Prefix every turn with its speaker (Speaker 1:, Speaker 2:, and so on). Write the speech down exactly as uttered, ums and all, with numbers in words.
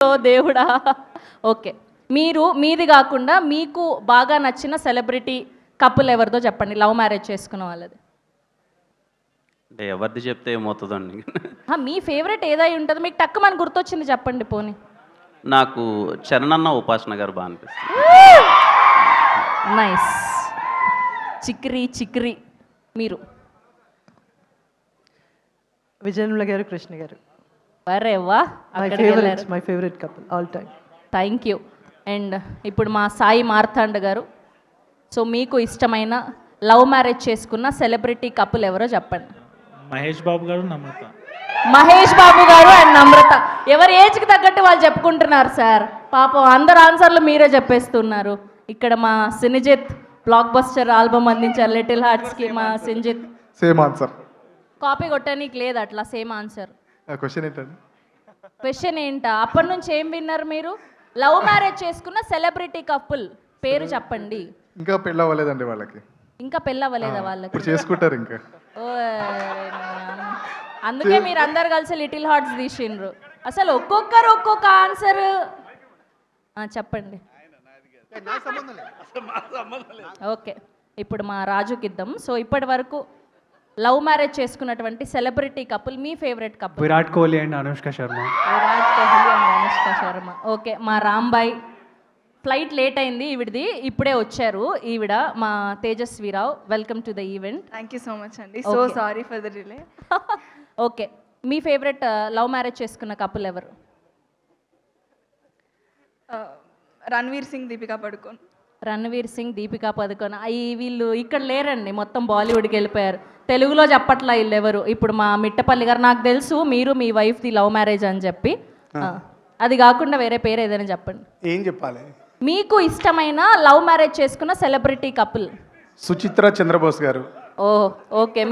Speaker 1: దేవుడా. ఓకే, మీరు మీది కాకుండా మీకు బాగా నచ్చిన సెలబ్రిటీ కపుల్ ఎవరిదో చెప్పండి, లవ్ మ్యారేజ్ చేసుకున్న వాళ్ళది.
Speaker 2: అంటే ఎవరిది చెప్తే ఏమవుతుందండి.
Speaker 1: ఆ, మీ ఫేవరెట్ ఏదై ఉంటుంది మీకు టక్కుమని గుర్తొచ్చింది చెప్పండి పోనీ.
Speaker 2: నాకు చరణన్న ఉపాసన గారు బాగా అనిపిస్తుంది.
Speaker 1: నైస్. చిక్రీ చిక్రీ. మీరు?
Speaker 3: విజయనుల గారు, కృష్ణ గారు.
Speaker 1: అరే వా,
Speaker 3: my favourite my favourite couple all time.
Speaker 1: Thank you. And ఇప్పుడు మా సాయి మార్తాండ్ గారు, సో మీకు ఇష్టమైన లవ్ మ్యారేజ్ చేసుకున్న సెలబ్రిటీ కపుల్ ఎవరో చెప్పండి.
Speaker 4: మహేష్ బాబు గారు, నమ్రత.
Speaker 1: మహేష్ బాబు గారు అండ్ నమ్రత. ఎవరి ఏజ్కి తగ్గట్టు వాళ్ళు చెప్పుకుంటున్నారు సార్. పాపం అందరు ఆన్సర్లు మీరే చెప్పేస్తున్నారు. ఇక్కడ మా సినిజిత్ బ్లాక్ బస్టర్ ఆల్బమ్ అందించారు లిటిల్ హార్ట్స్కి. మా సినిజిత్
Speaker 5: సేమ్ ఆన్సర్.
Speaker 1: కాపీ కొట్టడానికి లేదు అట్లా, సేమ్ ఆన్సర్.
Speaker 5: క్వశ్చన్ ఏంటండి?
Speaker 1: క్వశ్చన్ ఏంటా? అప్పటి నుంచి ఏం విన్నారు మీరు? లవ్ మ్యారేజ్ చేసుకున్న సెలబ్రిటీ కపుల్ పేరు చెప్పండి.
Speaker 5: ఇంకా పెళ్ళి అవ్వలేదండి వాళ్ళకి.
Speaker 1: ఇంకా పెళ్ళవ్వలేదా వాళ్ళకి?
Speaker 5: ఇప్పుడు చేసుకుంటారు ఇంకా.
Speaker 1: ఓ, అందుకే మీరు అందరు కలిసి లిటిల్ హార్ట్స్ తీసిండ్రు. అసలు ఒక్కొక్కరు ఒక్కొక్క ఆన్సర్ చెప్పండి. ఓకే, ఇప్పుడు మా రాజుకి ఇద్దాం. సో ఇప్పటి వరకు లవ్ మ్యారేజ్ చేసుకున్నటువంటి సెలబ్రిటీ కపుల్, మీ favourite couple?
Speaker 4: Virat Kohli and Anushka Sharma.
Speaker 1: Virat Kohli and Anushka Sharma. Okay, మా రాంబాయ్. ఫ్లైట్ లేట్ అయింది ఈవిడది, ఇప్పుడే వచ్చారు ఈవిడ, మా Tejaswi Rao. Welcome to the event.
Speaker 6: Thank you so much అండి. So sorry for the delay.
Speaker 1: Okay, మీ ఫేవరెట్ లవ్ మ్యారేజ్ చేసుకున్న కపుల్ ఎవరు?
Speaker 6: రణ్వీర్ సింగ్, దీపికా పడుకోన్.
Speaker 1: రణ్వీర్ సింగ్, దీపికా పదుకొన్. అయ్యి వీళ్ళు ఇక్కడ లేరండి, మొత్తం బాలీవుడ్కి వెళ్ళిపోయారు. తెలుగులో చెప్పట్లా వీళ్ళు ఎవరు. ఇప్పుడు మా మిట్టపల్లి గారు, నాకు తెలుసు మీరు మీ వైఫ్ది లవ్ మ్యారేజ్ అని చెప్పి, అది కాకుండా వేరే పేరు ఏదైనా చెప్పండి.
Speaker 7: ఏం చెప్పాలి?
Speaker 1: మీకు ఇష్టమైన లవ్ మ్యారేజ్ చేసుకున్న సెలబ్రిటీ కపుల్?
Speaker 7: సుచిత్ర చంద్రబోస్ గారు.
Speaker 1: Oh okay.